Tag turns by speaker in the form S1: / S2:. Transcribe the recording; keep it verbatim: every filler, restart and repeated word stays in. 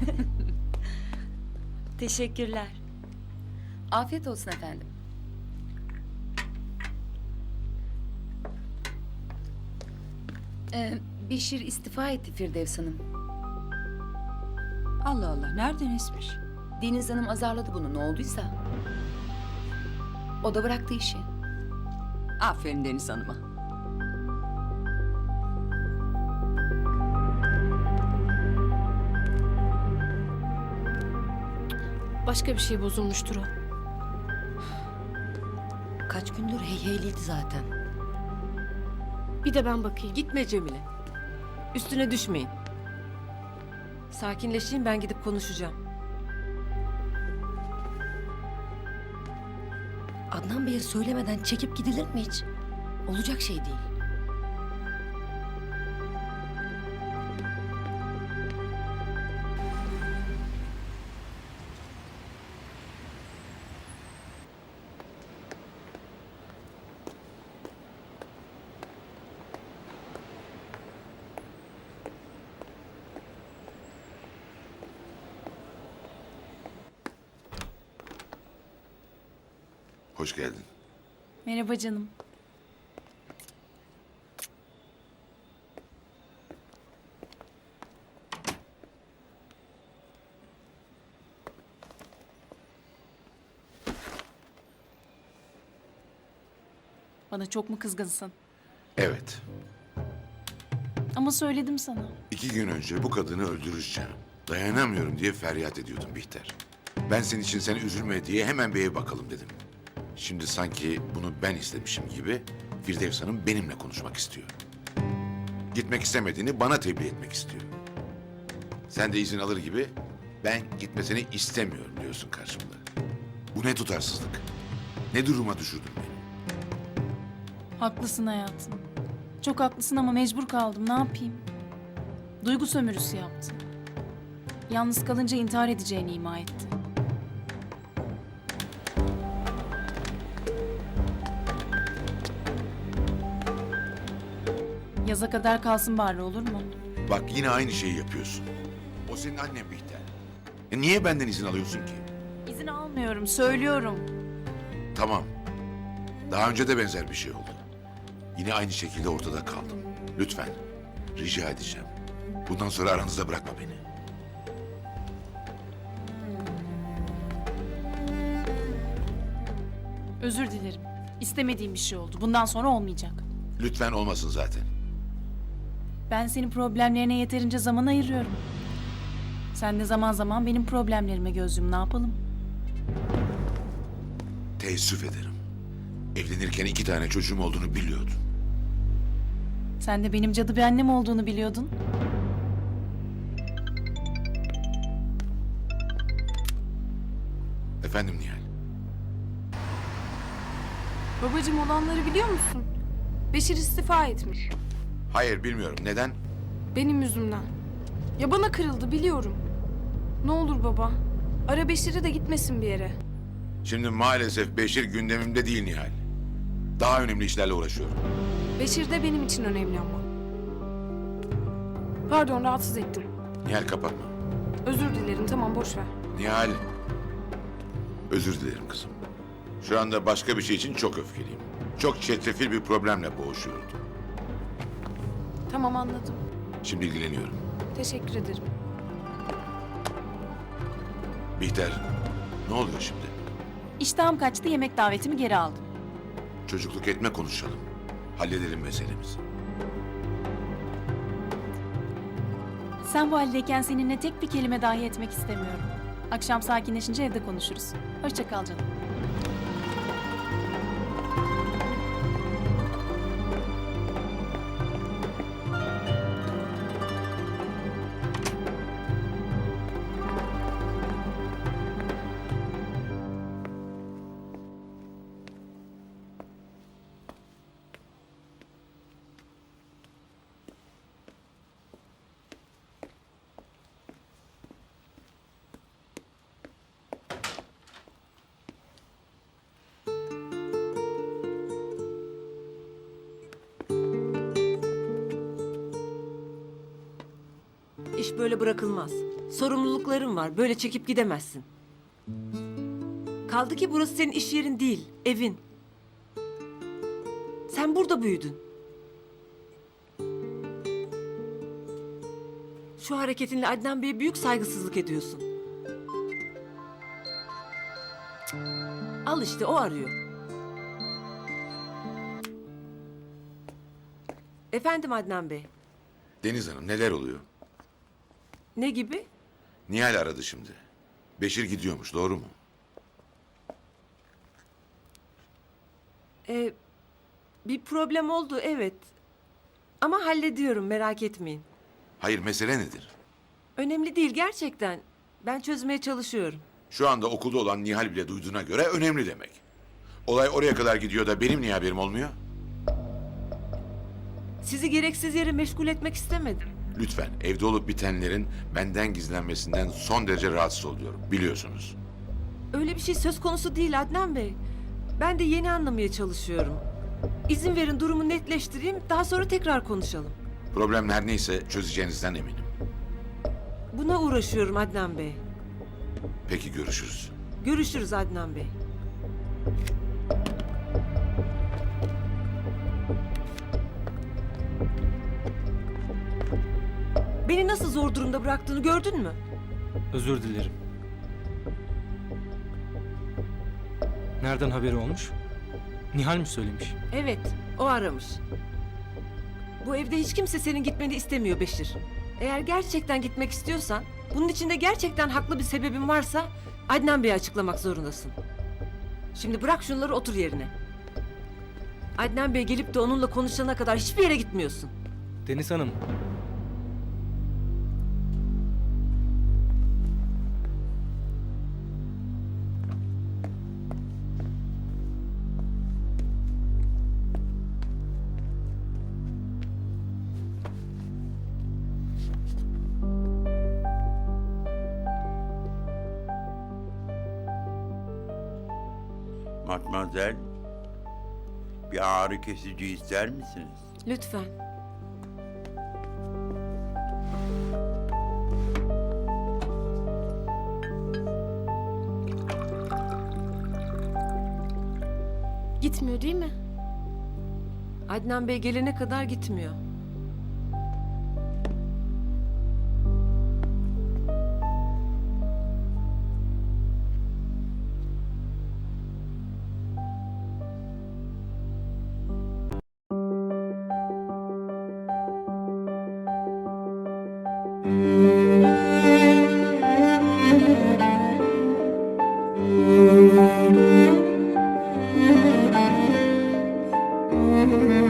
S1: Teşekkürler.
S2: Afiyet olsun efendim. Ee, Beşir istifa etti Firdevs Hanım.
S1: Allah Allah, nereden esmiş?
S2: Deniz Hanım azarladı bunu, ne olduysa. O da bıraktı işi.
S1: Aferin Deniz Hanım'a.
S3: Başka bir şey bozulmuştur o.
S4: Kaç gündür heyheyliydi zaten.
S3: Bir de ben bakayım.
S4: Gitme Cemile. Üstüne düşmeyin. Sakinleşeyim, ben gidip konuşacağım. Adnan Bey'e söylemeden çekip gidilir mi hiç? Olacak şey değil.
S5: Hoş geldin.
S6: Merhaba canım. Bana çok mu kızgınsın?
S5: Evet.
S6: Ama söyledim sana.
S5: İki gün önce bu kadını öldüreceğim. Dayanamıyorum diye feryat ediyordum Bihter. Ben senin için sen üzülme diye hemen bir ev bakalım dedim. Şimdi sanki bunu ben istemişim gibi Firdevs Hanım benimle konuşmak istiyor. Gitmek istemediğini bana tebliğ etmek istiyor. Sen de izin alır gibi ben gitmesini istemiyorum diyorsun karşımda. Bu ne tutarsızlık? Ne duruma düşürdün beni?
S6: Haklısın hayatım. Çok haklısın ama mecbur kaldım. Ne yapayım? Duygu sömürüsü yaptı. Yalnız kalınca intihar edeceğini ima etti. Yaza kadar kalsın bari, olur mu?
S5: Bak yine aynı şeyi yapıyorsun. O senin annen Bihter. E niye benden izin alıyorsun ki?
S6: İzin almıyorum, söylüyorum.
S5: Tamam. Daha önce de benzer bir şey oldu. Yine aynı şekilde ortada kaldım. Lütfen. Rica edeceğim. Bundan sonra aranızda bırakma beni.
S6: Özür dilerim. İstemediğim bir şey oldu. Bundan sonra olmayacak.
S5: Lütfen olmasın zaten.
S6: Ben senin problemlerine yeterince zaman ayırıyorum. Sen de zaman zaman benim problemlerime göz yum. Ne yapalım?
S5: Teessüf ederim. Evlenirken iki tane çocuğum olduğunu biliyordum.
S6: Sen de benim cadı bir annem olduğunu biliyordun.
S5: Efendim Nihal.
S3: Babacığım, olanları biliyor musun? Beşir istifa etmiş.
S5: Hayır bilmiyorum. Neden?
S3: Benim yüzümden. Ya bana kırıldı, biliyorum. Ne olur baba. Ara Beşir'i de gitmesin bir yere.
S5: Şimdi maalesef Beşir gündemimde değil Nihal. Daha önemli işlerle uğraşıyorum.
S3: Beşir de benim için önemli ama. Pardon, rahatsız ettim.
S5: Nihal kapatma.
S3: Özür dilerim, tamam, boş ver.
S5: Nihal. Özür dilerim kızım. Şu anda başka bir şey için çok öfkeliyim. Çok çetrefil bir problemle boğuşuyordum.
S3: Tamam, anladım.
S5: Şimdi ilgileniyorum.
S3: Teşekkür ederim.
S5: Bihter, ne oluyor şimdi?
S6: İştahım kaçtı, yemek davetimi geri aldım.
S5: Çocukluk etme konuşalım. Halledelim meselemizi.
S6: Sen bu haldeyken seninle tek bir kelime dahi etmek istemiyorum. Akşam sakinleşince evde konuşuruz. Hoşça kal canım.
S7: iş böyle bırakılmaz. Sorumlulukların var. Böyle çekip gidemezsin. Kaldı ki burası senin iş yerin değil, evin. Sen burada büyüdün. Şu hareketinle Adnan Bey'e büyük saygısızlık ediyorsun. Cık. Al işte, o arıyor. Efendim Adnan Bey.
S5: Deniz Hanım neler oluyor?
S7: Ne gibi?
S5: Nihal aradı şimdi. Beşir gidiyormuş, doğru mu?
S7: Ee, bir problem oldu, evet. Ama hallediyorum, merak etmeyin.
S5: Hayır, mesele nedir?
S7: Önemli değil gerçekten. Ben çözmeye çalışıyorum.
S5: Şu anda okulda olan Nihal bile duyduğuna göre önemli demek. Olay oraya kadar gidiyor da benim niye haberim olmuyor?
S7: Sizi gereksiz yere meşgul etmek istemedim.
S5: Lütfen, evde olup bitenlerin benden gizlenmesinden son derece rahatsız oluyorum, biliyorsunuz.
S7: Öyle bir şey söz konusu değil Adnan Bey. Ben de yeni anlamaya çalışıyorum. İzin verin durumu netleştireyim, daha sonra tekrar konuşalım.
S5: Problem her neyse çözeceğinizden eminim.
S7: Buna uğraşıyorum Adnan Bey.
S5: Peki, görüşürüz.
S7: Görüşürüz Adnan Bey. Beni nasıl zor durumda bıraktığını gördün mü?
S8: Özür dilerim. Nereden haberi olmuş? Nihal mi söylemiş?
S7: Evet, o aramış. Bu evde hiç kimse senin gitmeni istemiyor Beşir. Eğer gerçekten gitmek istiyorsan, bunun içinde gerçekten haklı bir sebebin varsa Adnan Bey'e açıklamak zorundasın. Şimdi bırak şunları, otur yerine. Adnan Bey gelip de onunla konuşana kadar hiçbir yere gitmiyorsun.
S8: Deniz Hanım.
S9: Matmazel, bir ağrı kesici ister misiniz?
S7: Lütfen.
S3: Gitmiyor değil mi?
S7: Adnan Bey gelene kadar gitmiyor.
S3: Hı hı.